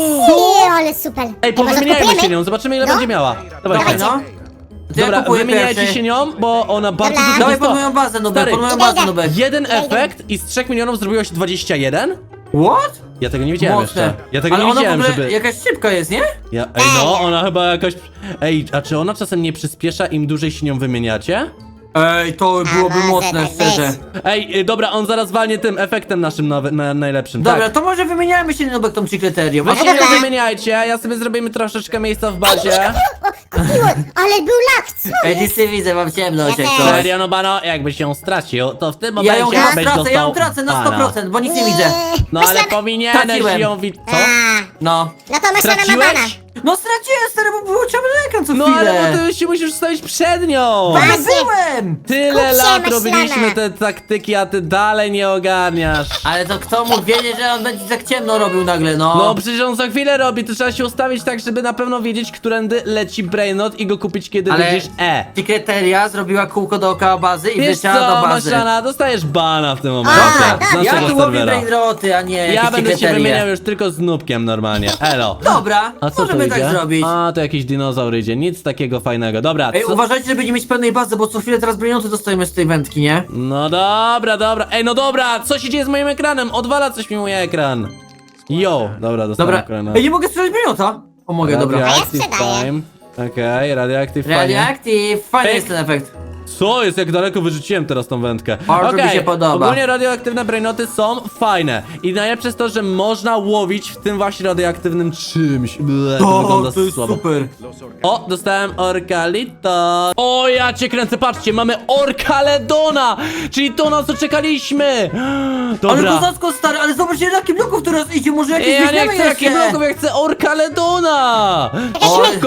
S3: Nie, ale super.
S1: Ej,
S3: może
S1: powymieniajmy
S3: kupujemy?
S1: się nią, zobaczymy ile
S3: No.
S1: będzie miała. Dawaj,
S2: Dawaj,
S1: dawaj.
S2: no. To ja
S1: Dobra,
S2: kupuję
S1: wymieniajcie
S2: pierwszy.
S1: się nią, bo ona bardzo
S3: Dobra.
S1: dużo
S2: Dawaj
S1: dostała.
S2: pod moją bazę, Nubek,
S1: Stary,
S2: pod moją
S3: Idę,
S2: bazę,
S3: idę.
S2: Nubek.
S1: jeden
S3: Idę, idę.
S1: efekt i z trzech milionów zrobiło się dwadzieścia jeden?
S2: What?
S1: Ja tego nie widziałem
S2: Mocne.
S1: jeszcze. Ja tego
S2: Ale
S1: nie
S2: ona
S1: widziałem,
S2: w ogóle
S1: żeby...
S2: jakaś szybka jest, nie?
S1: Ja, ej, no, ona chyba jakoś... Ej, a czy ona czasem nie przyspiesza, im dłużej się nią wymieniacie?
S2: Ej, to byłoby
S3: może
S2: mocne,
S3: tak
S2: szczerze.
S3: być.
S1: Ej, y, dobra, on zaraz walnie tym efektem naszym nowy, na, najlepszym,
S2: Dobra,
S1: tak.
S2: to może wymieniajmy się, Nubek, tą cigleterią.
S1: Wy
S2: A
S1: się
S2: to-
S1: nie wymieniajcie, ja sobie zrobimy troszeczkę miejsca w bazie.
S3: O, kupiłem, ale był lak, co
S2: Ej,
S3: jest?
S2: nic nie widzę, mam ciemność,
S3: Ja
S2: jak
S3: też.
S2: coś.
S1: Serio, no bano, jakbyś ją stracił, to w tym
S2: Ja
S1: momencie
S2: ją
S1: byś
S2: chyba tracę,
S1: dostał
S2: ja ją tracę na sto
S1: bana.
S2: procent, bo nic nie widzę.
S1: No ale
S3: Myślałem-
S1: powinieneś
S2: Traciłem.
S1: ją widzieć. Co?
S3: A,
S2: No.
S3: no to myślę, że ma bana.
S1: Straciłeś?
S2: No straciłem, stary, bo było ciemny ekran co
S1: No
S2: chwilę.
S1: ale bo ty się musisz stawić przed nią!
S2: No nie
S3: Właśnie.
S2: byłem!
S1: Tyle
S3: Skup się,
S1: lat
S3: myślane.
S1: robiliśmy te taktyki, a ty dalej nie ogarniasz.
S2: Ale to kto mógł wiedzieć, że on będzie tak ciemno robił nagle, no.
S1: No przecież on za chwilę robi, to trzeba się ustawić tak, żeby na pewno wiedzieć, którędy leci Brainot i go kupić, kiedy
S2: Ale
S1: widzisz E.
S2: Secreteria zrobiła kółko dookoła bazy i
S1: Wiesz
S2: wleciała
S1: co,
S2: do bazy.
S1: Maślana, dostajesz bana w tym momencie.
S3: Dobra,
S1: z
S2: Ja
S1: naszego
S2: tu łowię
S1: serwera.
S2: brainroty, a nie
S1: Ja
S2: jakieś
S1: będę się
S2: secreterie.
S1: wymieniał już tylko z Nubkiem normalnie. Elo.
S2: Dobra,
S1: A co
S2: możemy
S1: to idzie?
S2: tak zrobić.
S1: A, to jakiś dinozaur idzie, nic takiego fajnego. Dobra,
S2: Ej,
S1: co?
S2: uważajcie, żeby nie mieć pełnej bazy, bo co chwilę teraz brainoty dostajemy z tej wędki, nie?
S1: No dobra, dobra. Ej, no dobra, co się dzieje z moim ekranem? Odwala coś mi mój ekran. Jo, dobra, dostałem
S2: Dobra.
S1: kolejne.
S2: Ej, nie mogę sprzedać brainota. O, mogę, dobra.
S1: Radioactive
S3: A ja sprzedaję.
S1: Time. Okej, Radioactive fajnie.
S2: Radioactive, fajny
S1: Pyk.
S2: jest ten efekt.
S1: Co jest, jak daleko wyrzuciłem teraz tą wędkę?
S2: Bardzo mi
S1: Okej,
S2: się podoba.
S1: ogólnie radioaktywne brainoty są fajne. I najlepsze jest to, że można łowić w tym właśnie radioaktywnym czymś. Ble, to
S2: O,
S1: wygląda
S2: to jest
S1: słabo.
S2: super.
S1: O, dostałem Orkalito. O, ja cię kręcę, patrzcie, mamy Orkaledona, czyli to, na co czekaliśmy.
S2: Ale
S1: Dobra.
S2: kozacko, stary, ale zobacz, ile takich bloków teraz idzie, może jakieś
S1: Ej, ja nie
S2: weźmiemy
S1: chcę takich
S2: jeszcze.
S1: bloków, ja chcę Orkaledona!
S2: Oj.
S1: Szybko!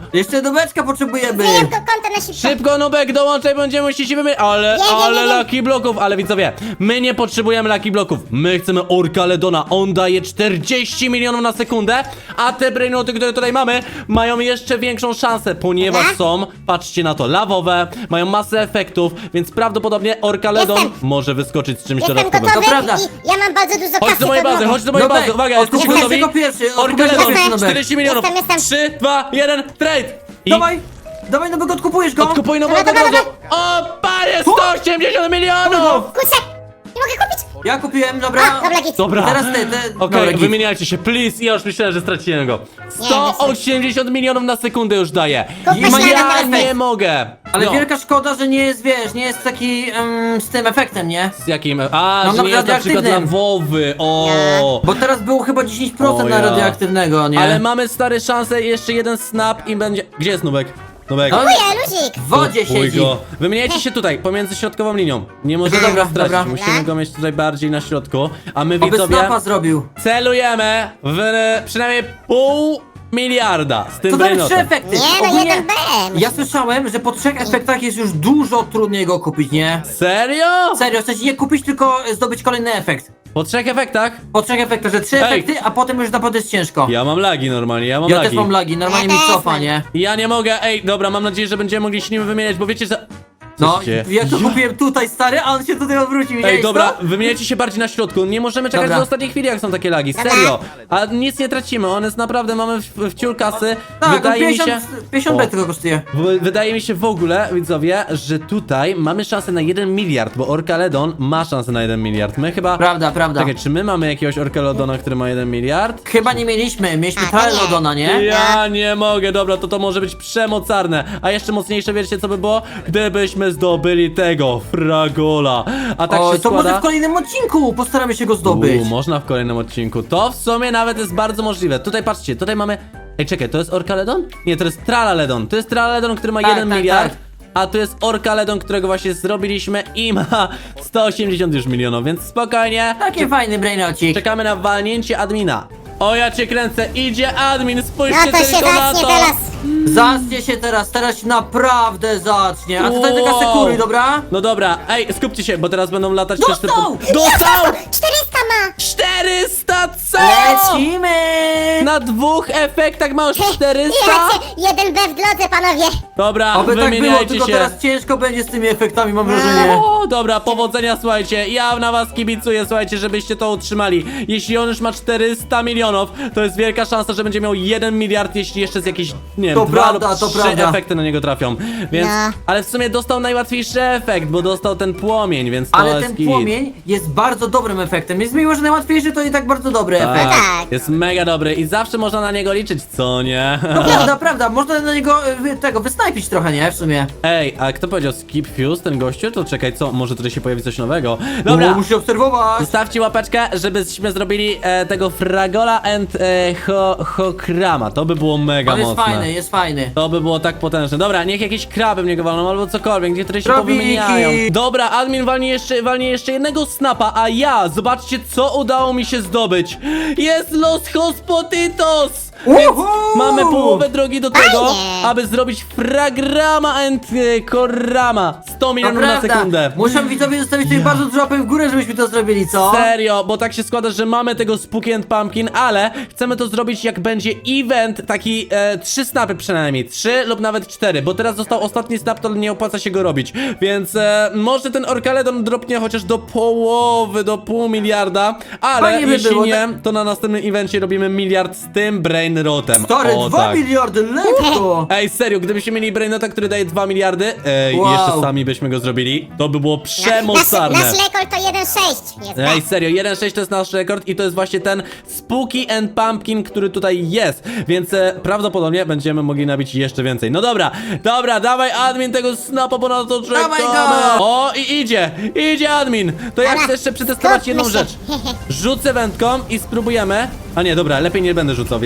S2: Jeszcze do beczka potrzebujemy.
S3: Zmieniam to konto na szybko.
S1: Szybko, Nubek, dołączaj, będziemy musieli się wymienić. Ale,
S3: Nie, nie,
S1: ale
S3: nie, nie.
S1: Lucky Bloków, ale widzowie, my nie potrzebujemy Lucky Bloków. My chcemy Orka Ledona. On daje czterdzieści milionów na sekundę, a te brainoty, które tutaj mamy, mają jeszcze większą szansę, ponieważ
S3: Dobra.
S1: są, patrzcie na to, lawowe, mają masę efektów, więc prawdopodobnie Orka Ledon
S3: Jestem.
S1: może wyskoczyć z czymś
S3: Jestem
S1: dodatkowym.
S3: gotowy
S2: To prawda.
S3: i ja mam bardzo dużo
S1: Chodź
S3: kasy.
S1: do mojej
S3: to
S1: bazy,
S3: mogę.
S1: chodź do mojej
S2: Nubek,
S1: bazy, uwaga, jesteście
S2: odkupujesz
S1: gotowi?
S2: jako pierwszy,
S1: Orka
S2: odkupujesz
S1: Ledon,
S2: pierwszy, Nubek.
S1: czterdzieści milionów,
S3: Jestem, jestem.
S1: trzy, dwa, jeden, trade! I
S2: Dawaj, dawaj, no bo odkupujesz go.
S1: odkupuj nowego od
S3: Dobra, dobra,
S1: razu. O, panie, sto osiemdziesiąt milionów!
S3: Kurczę, nie mogę kupić.
S2: Ja kupiłem,
S3: A,
S2: dobra.
S3: dobra, git.
S1: Dobra.
S2: Teraz ty, ty.
S1: Okej,
S2: Dobra, git.
S1: wymieniajcie się, please. Ja już myślałem, że straciłem go. sto osiemdziesiąt milionów na sekundę już daje.
S3: Kup
S2: I ma
S3: śniadanie
S2: ja
S3: teraz.
S1: Nie mogę.
S2: Ale
S1: No.
S2: wielka szkoda, że nie jest, wiesz, nie jest taki em, z tym efektem, nie?
S1: Z jakim? A,
S2: No,
S1: że
S2: na
S1: nie jest na przykład
S2: radioaktywnym.
S1: lawowy. O.
S2: Bo teraz było chyba dziesięć procent
S1: O
S2: na
S1: ja.
S2: radioaktywnego, nie?
S1: Ale mamy stary szansę, jeszcze jeden snap i będzie... Gdzie jest Nubek? Nubek.
S2: No,
S3: Kupuję, luzik.
S2: w wodzie
S1: Kupuj
S2: siedzi.
S1: go. Wymieniajcie się tutaj, pomiędzy środkową linią. Nie możemy
S2: Dobra,
S1: go stracić,
S2: dobra.
S1: musimy go mieć tutaj bardziej na środku. A my
S2: Oby
S1: widzowie
S2: snapa zrobił.
S1: celujemy w e, przynajmniej pół miliarda z tym
S2: To dały trzy
S1: brainotem.
S2: efekty.
S3: Nie, no
S2: Ogólnie
S3: jeden B.
S2: Ja słyszałem, że po trzech efektach jest już dużo trudniej go kupić, nie?
S1: Serio?
S2: Serio, w sensie nie kupić, tylko zdobyć kolejny efekt.
S1: Po trzech efektach?
S2: Po trzech efektach, że trzy
S1: Ej.
S2: efekty, a potem już naprawdę jest ciężko.
S1: Ja mam lagi normalnie, ja mam
S2: Ja
S1: lagi.
S2: też mam lagi, normalnie
S3: Ja
S2: mi
S3: też
S2: cofa,
S3: mam.
S2: nie?
S1: Ja nie mogę, ej, dobra, mam nadzieję, że będziemy mogli się nim wymieniać, bo wiecie, że...
S2: No,
S1: Co się dzieje?
S2: ja to kupiłem tutaj, stary, a on się tutaj obrócił,
S1: Ej,
S2: widziałeś
S1: dobra,
S2: to?
S1: wymieniajcie się bardziej na środku. Nie możemy czekać
S2: Dobra.
S1: do ostatniej chwili, jak są takie lagi.
S3: Dobra.
S1: Serio. A nic nie tracimy. On jest naprawdę, mamy w, w ciul kasy.
S2: Tak, on
S1: Wydaje mi się.
S2: pięćdziesiąt, pięćdziesiąt
S1: O.
S2: B tylko kosztuje.
S1: W, wydaje mi się w ogóle, widzowie, że tutaj mamy szansę na jeden miliard, bo Orkaledon ma szansę na jeden miliard. My chyba.
S2: Prawda, prawda.
S1: Czekaj, czy my mamy jakiegoś Orkaledona, który ma jeden miliard?
S2: Chyba nie mieliśmy, mieliśmy
S3: A, to nie.
S2: Trylodona, nie?
S1: Ja nie mogę, dobra, to to może być przemocarne. A jeszcze mocniejsze, wiecie co by było? Gdybyśmy zdobyli tego, Fragola. A tak
S2: o,
S1: się
S2: to
S1: składa...
S2: może w kolejnym odcinku postaramy się go zdobyć.
S1: U, można w kolejnym odcinku. To w sumie nawet jest bardzo możliwe. Tutaj patrzcie, tutaj mamy... Ej, czekaj, to jest Orkaledon? Nie, to jest Tralaledon. To jest Tralaledon, który ma
S2: Tak,
S1: jeden
S2: tak,
S1: miliard.
S2: tak.
S1: A tu jest Orkaledon, którego właśnie zrobiliśmy i ma sto osiemdziesiąt już milionów, więc spokojnie.
S2: Taki fajny brainocik.
S1: Czekamy na walnięcie admina. O, ja cię kręcę, idzie admin, spójrzcie
S3: No to się
S1: tylko na
S3: zacznie
S1: to.
S3: teraz.
S2: Zacznie się teraz, teraz się naprawdę zacznie. A tutaj taka
S1: Wow.
S2: sekury, dobra?
S1: No dobra, ej, skupcie się, bo teraz będą latać też te...
S2: Dostał!
S1: Dostał!
S3: czterysta ma.
S1: czterysta, co?
S2: Lecimy!
S1: Na dwóch efektach masz
S3: I
S1: czterysta?
S3: macie jeden B w drodze, panowie.
S1: Dobra,
S2: Oby tak było,
S1: wymieniajcie
S2: tylko
S1: się.
S2: teraz ciężko będzie z tymi efektami, mam wrażenie.
S1: O, dobra, powodzenia, słuchajcie. Ja na was kibicuję, słuchajcie, żebyście to utrzymali. Jeśli on już ma czterysta milionów, to jest wielka szansa, że będzie miał jeden miliard, jeśli jeszcze z jakichś, nie wiem,
S2: To
S1: dwa
S2: prawda,
S1: lub
S2: to
S1: trzy
S2: prawda.
S1: efekty na niego trafią. Więc,
S3: No.
S1: ale w sumie dostał najłatwiejszy efekt, bo dostał ten płomień, więc to
S2: Ale
S1: jest
S2: ten
S1: git.
S2: płomień jest bardzo dobrym efektem. Jest miło, że najłatwiejszy to i tak bardzo dobry efekt.
S1: Tak,
S3: Tak.
S1: jest mega dobry i zawsze można na niego liczyć, co nie?
S2: No prawda, prawda, można na niego y, wy- tego wysnajpić trochę, nie? W sumie.
S1: Ej, a kto powiedział skip fuse, ten gościu? To czekaj, co? Może tutaj się pojawi coś nowego? Dobra.
S2: O, musi obserwować.
S1: Zostawcie łapeczkę, żebyśmy zrobili e, tego Fragola and e, ho, Hokrama. To by było mega
S2: On jest
S1: mocne.
S2: fajny, jest fajny.
S1: To by było tak potężne. Dobra, niech jakieś kraby w niego walną albo cokolwiek, niech które się
S2: Krabiki.
S1: powymieniają. Dobra, admin walnie jeszcze, walnie jeszcze jednego snapa, a ja, zobaczcie co udało mi się zdobyć. Jest Los Hospoditos! Więc
S2: Uhu!
S1: mamy połowę drogi do tego,
S3: Fajnie.
S1: aby zrobić Fragrama and e, Korama. sto
S2: To
S1: milionów na
S2: prawda.
S1: sekundę.
S2: Muszę widzowie zostawić tutaj bardzo dużo łapek w górę, żebyśmy to zrobili, co?
S1: Serio, bo tak się składa, że mamy tego Spooky and Pumpkin, ale chcemy to zrobić jak będzie event, taki e, trzy snapy przynajmniej, trzy lub nawet cztery, bo teraz został ostatni snap, to nie opłaca się go robić, więc e, może ten Orkaledon dropnie chociaż do połowy, do pół miliarda, ale
S2: Fajnie by
S1: jeśli
S2: było,
S1: nie,
S2: tak?
S1: to na następnym evencie robimy miliard z tym Brainrotem.
S2: Stary,
S1: O,
S2: dwa
S1: tak.
S2: miliardy, lekko!
S1: Ej, serio, gdybyśmy mieli Brainota, który daje dwa miliardy, ej,
S2: Wow.
S1: jeszcze sami byśmy go zrobili, to by było przemocarne.
S3: Nasz, nasz rekord to jeden sześć. Jest
S1: Ej,
S3: B.
S1: serio, jeden sześć to jest nasz rekord i to jest właśnie ten Spooky and Pumpkin, który tutaj jest, więc e, prawdopodobnie będziemy mogli nabić jeszcze więcej. No dobra, dobra, dawaj admin tego snapa, bo na to czekamy.
S2: Dawaj go!
S1: O, i idzie, idzie admin. To ja
S3: Dobra,
S1: chcę jeszcze przetestować
S3: skupmy
S1: jedną
S3: się.
S1: rzecz. Rzucę wędką i spróbujemy. A nie, dobra, lepiej nie będę rzucał, wiecie?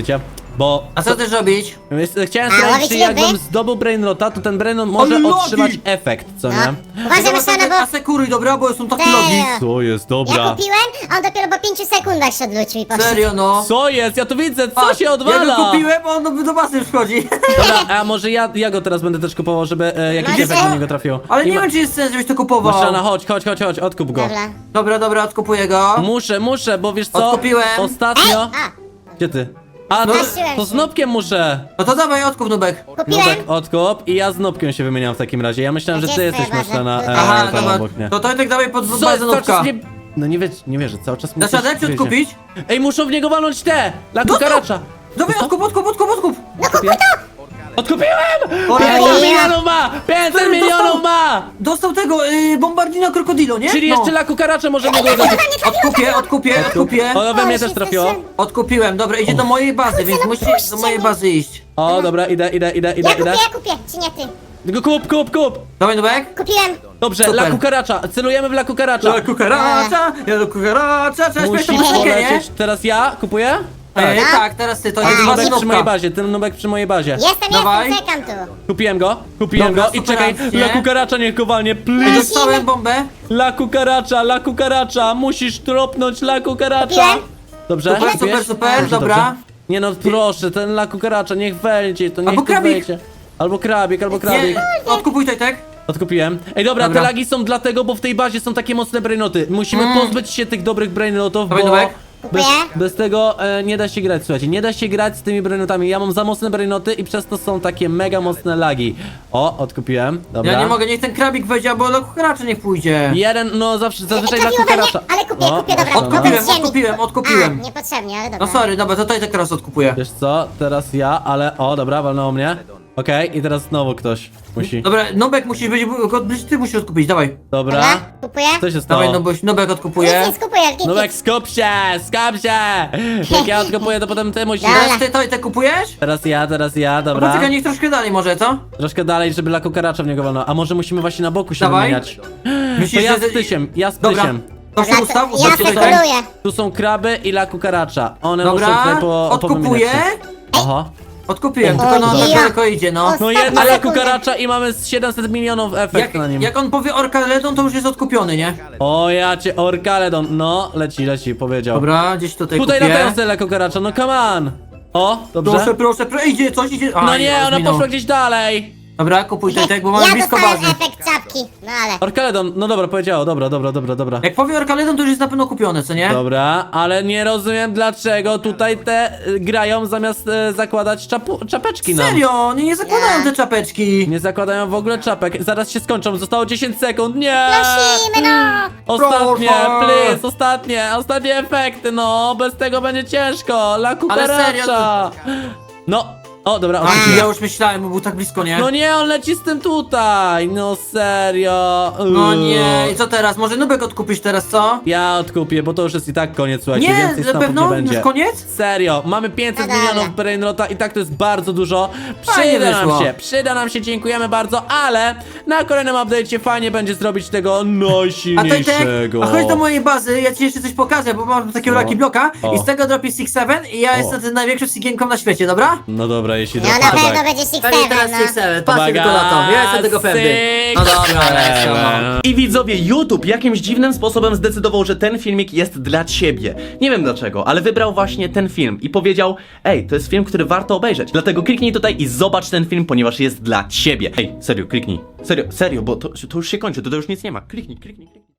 S1: Bo
S2: A co chcesz robić?
S1: Więc chciałem
S3: A,
S1: sprawdzić,
S3: łowić
S1: czy
S3: ryby?
S1: jakbym zdobył brainrota, to ten brainrot może
S2: Ale logi!
S1: otrzymać efekt, co nie?
S3: No. Uważaj,
S2: Dobra,
S3: Myszana,
S2: to-
S3: bo...
S2: Asekuruj, dobra, bo są takie
S3: Serio?
S2: logi.
S1: Co jest,
S3: Ja
S1: dobra.
S3: kupiłem, a on dopiero po pięciu sekundach się odwrócił i poszedł.
S2: Serio, no.
S1: Co jest? Ja tu widzę, co
S2: Patrz,
S1: się
S2: Ja
S1: odwala?
S2: go kupiłem, a on do, do bazy wchodzi.
S1: Dobra, a może ja, ja go teraz będę też kupował, żeby e, jakiś
S3: Może?
S1: efekt na niego trafił.
S2: Ale nie
S1: ma-
S2: wiem, czy jest sens, żebyś to kupował.
S1: Maszana, chodź, chodź, chodź, chodź, odkup go.
S3: Dobra.
S2: Dobra, dobra, odkupuję go.
S1: Muszę, muszę, bo wiesz co?
S2: Odkupiłem.
S1: Ostatnio...
S3: A,
S1: Gdzie ty? A,
S2: No,
S1: to,
S3: Zgasiłem
S1: to
S3: się.
S1: z Nopkiem muszę.
S2: No to dawaj, odkup, Nubek.
S3: kupiłem.
S1: Nubek, odkup i ja z Nopkiem się wymieniam w takim razie. Ja myślałem, że
S3: Gdzie
S1: ty
S3: jest
S1: jesteś
S3: twoja baza?
S1: Maszana, e,
S3: Aha,
S2: Aha,
S1: tam
S2: dobra.
S1: obok mnie.
S2: To to i tak dawaj pod
S1: Co,
S2: bazę
S1: cały
S2: Nubka.
S1: czas mnie... No nie wiesz, nie wierzę, cały czas mi
S2: Dasz
S1: coś
S2: radę, czy
S1: gryzie.
S2: odkupić?
S1: Ej, muszą w niego walnąć te! La
S2: Dostał!
S1: kukaracza!
S2: Dawaj, odkup, odkup, odkup, odkup.
S3: No kupuj to!
S1: Odkupiłem!
S2: O,
S1: pięćset
S2: Jezu.
S1: milionów ma! pięćset
S2: Stary,
S1: milionów
S2: dostał.
S1: ma!
S2: Dostał tego, y, bombardina krokodilo, nie?
S1: Czyli
S2: No.
S1: jeszcze la kukaracza może niego uderzyć.
S2: Odkupię, odkupię, odkupię.
S1: O, we mnie
S3: O,
S1: też
S3: się
S1: trafiło.
S3: stresuję.
S2: Odkupiłem, dobra, idzie do mojej bazy, więc
S3: no
S2: musi
S3: puśćcie
S2: do mojej
S3: mnie.
S2: bazy iść.
S1: O, dobra, idę, idę, idę,
S3: Ja
S1: idę,
S3: kupię,
S1: idę.
S3: ja kupię, czy nie ty?
S1: Tylko kup, kup, kup!
S2: Dawaj, Nubek.
S3: Kupiłem.
S1: Dobrze,
S2: Super.
S1: la kukaracza, celujemy w la kukaracza.
S2: Ja kukaracza, ja do kukaracza, trzeba śpiewać tą
S1: Musisz
S2: muzykę, nie?
S1: polecieć. Teraz ja kupuję?
S2: Ej,
S3: Tak.
S2: tak, teraz ty, to
S1: Ten
S2: jest bazy
S1: nubek przy mojej
S2: Nubka.
S1: bazie, ten nubek przy mojej bazie.
S3: Jestem,
S2: Dawaj.
S3: jestem, czekam tu.
S1: Kupiłem go, kupiłem
S2: Dobra,
S1: go i
S2: super
S1: czekaj,
S2: akcje.
S1: la kukaracza niech go walnie,
S2: Ej,
S1: please.
S2: dostałem bombę.
S1: La kukaracza, la kukaracza, musisz tropnąć la kukaracza.
S3: Kupiłem.
S1: Dobrze?
S2: Super,
S1: kupiłeś?
S2: super, super,
S1: Dobrze,
S2: dobra.
S1: dobrze. Nie no, proszę, ten la kukaracza, niech wejdzie, to niech
S2: Albo
S1: tu
S2: krabik.
S1: wejdzie. Albo krabik, albo krabik.
S2: Nie, odkupuj Tojtek.
S1: Odkupiłem. Ej, dobra,
S2: Dobra.
S1: te lagi są dlatego, bo w tej bazie są takie mocne brainoty. Musimy pozbyć się tych dobrych brainotów,
S2: Dawaj,
S1: bo
S2: Nubek.
S1: bez,
S3: Kupuję.
S1: bez tego e, nie da się grać, słuchajcie. Nie da się grać z tymi brainotami. Ja mam za mocne brainoty i przez to są takie mega mocne lagi. O, odkupiłem. Dobra.
S2: Ja nie mogę, niech ten krabik wejdzie, albo do kukaracza niech pójdzie.
S1: Jeden, no zawsze, zazwyczaj dla
S3: trafiło we mnie,
S1: kukaracza.
S3: ale kupię,
S1: O,
S3: kupię, dobra.
S1: masz to, no.
S2: Odkupiłem,
S3: Z ziemi.
S2: odkupiłem, odkupiłem.
S3: A, niepotrzebnie, ale dobra.
S2: No sorry, dobra, to Tojtek teraz odkupuję.
S1: Wiesz co, teraz ja, ale o, dobra, walnęło mnie. Okej, i teraz znowu ktoś musi.
S2: Dobra, Nubek musisz być, być- ty musisz odkupić, dawaj.
S1: Dobra.
S3: Dobra, kupuję.
S1: Co się stało?
S2: Dawaj, Nubek, Nubek
S3: Nic
S2: odkupuje.
S3: nie skupuję, nic,
S1: Nubek,
S3: nic.
S1: skup się, skup się! Jak ja odkopuję, to potem ty musisz.
S3: Dobra.
S2: Teraz ty Tojtek kupujesz?
S1: Teraz ja, teraz ja,
S2: No
S1: dobra.
S2: poczekaj, niech troszkę dalej może, co?
S1: Troszkę dalej, żeby la kukaracza w niego walnął. A może musimy właśnie na boku się
S2: Dawaj.
S1: wymieniać? To
S2: Myślisz,
S1: ja
S2: że...
S1: z Tysiem, ja z
S2: Dobra,
S1: Tysiem.
S2: to się
S3: Dobra,
S2: ustaw,
S3: to
S2: ustaw
S3: ja
S2: się Tojtek.
S3: spekuluję.
S1: Tu są kraby i la kukaracza. One muszą
S2: Dobra,
S1: tutaj po,
S2: odkupuję.
S1: powymieniać się. Aha.
S2: Odkupiłem, tylko no
S3: Oj,
S2: tak
S3: ja.
S2: daleko idzie, no.
S1: No
S3: Ostatnie
S1: jedna la
S3: sekundy.
S1: kukaracza i mamy z siedemset milionów efekt
S2: Jak,
S1: na nim.
S2: jak on powie Orkaledon, to już jest odkupiony, nie?
S1: O ja cię, Orkaledon. No, leci, leci, powiedział.
S2: Dobra, gdzieś tutaj
S1: Tutaj
S2: kupię.
S1: latają sobie la kukaracza, no come on. O, dobrze.
S2: Proszę, proszę, proszę, idzie, coś idzie. A,
S1: No nie, ona
S2: minął.
S1: poszła gdzieś dalej.
S2: Dobra, kupuj Tojtek, bo mamy
S3: Ja
S2: blisko
S3: dostałem
S2: bazy.
S3: efekt czapki, no ale...
S1: Orkaledon, no dobra, powiedziało, dobra, dobra, dobra, dobra.
S2: Jak powie Orkaledon, to już jest na pewno kupione, co nie?
S1: Dobra, ale nie rozumiem dlaczego tutaj te y, grają zamiast y, zakładać czapu, czapeczki nam.
S2: Serio, oni nie zakładają
S3: Nie.
S2: te czapeczki.
S1: Nie zakładają w ogóle czapek. Zaraz się skończą, zostało dziesięć sekund. Nie!
S3: Prosimy, no!
S1: Ostatnie,
S2: Proszę.
S1: please, ostatnie, ostatnie efekty, no, bez tego będzie ciężko. La
S2: serio,
S1: kukaracza. No, o, dobra,
S2: A,
S1: odpuściłem.
S2: ja już myślałem, bo był tak blisko, nie?
S1: No nie, on leci z tym tutaj, no serio.
S2: No
S1: Uuu.
S2: nie, i co teraz? Może Nubek odkupisz teraz, co?
S1: Ja odkupię, bo to już jest i tak koniec, słuchajcie,
S2: Nie,
S1: więcej
S2: na
S1: snapów
S2: pewno?
S1: nie będzie.
S2: Już koniec?
S1: Serio, mamy pięćset
S3: No dobra.
S1: milionów brainrota i tak to jest bardzo dużo.
S2: Fajnie
S1: Przyda nam
S2: wyszło.
S1: się, przyda nam się, dziękujemy bardzo, ale na kolejnym update'cie fajnie będzie zrobić tego
S2: A Tojtek,
S1: najsilniejszego.
S2: a chodź do mojej bazy, ja ci jeszcze coś pokażę, bo mam takiego
S1: No.
S2: Lucky Bloka
S1: O.
S2: i z tego dropi six seven i ja
S1: O.
S2: jestem tym największą sigienką na świecie, dobra?
S1: No dobra, jeśli
S3: No
S1: to
S3: na
S1: tak.
S3: pewno będzie six
S2: Pewnie teraz
S3: seven,
S2: six
S3: no.
S2: seven, patrzcie tylko na to, ja jestem tego pewny. No dobra, let's go, no.
S5: I widzowie, YouTube jakimś dziwnym sposobem zdecydował, że ten filmik jest dla ciebie. Nie wiem dlaczego, ale wybrał właśnie ten film i powiedział: ej, to jest film, który warto obejrzeć. Dlatego kliknij tutaj i zobacz ten film, ponieważ jest dla ciebie. Ej, serio, kliknij. Serio, serio, bo to, to już się kończy, to, to już nic nie ma. Kliknij, kliknij, kliknij.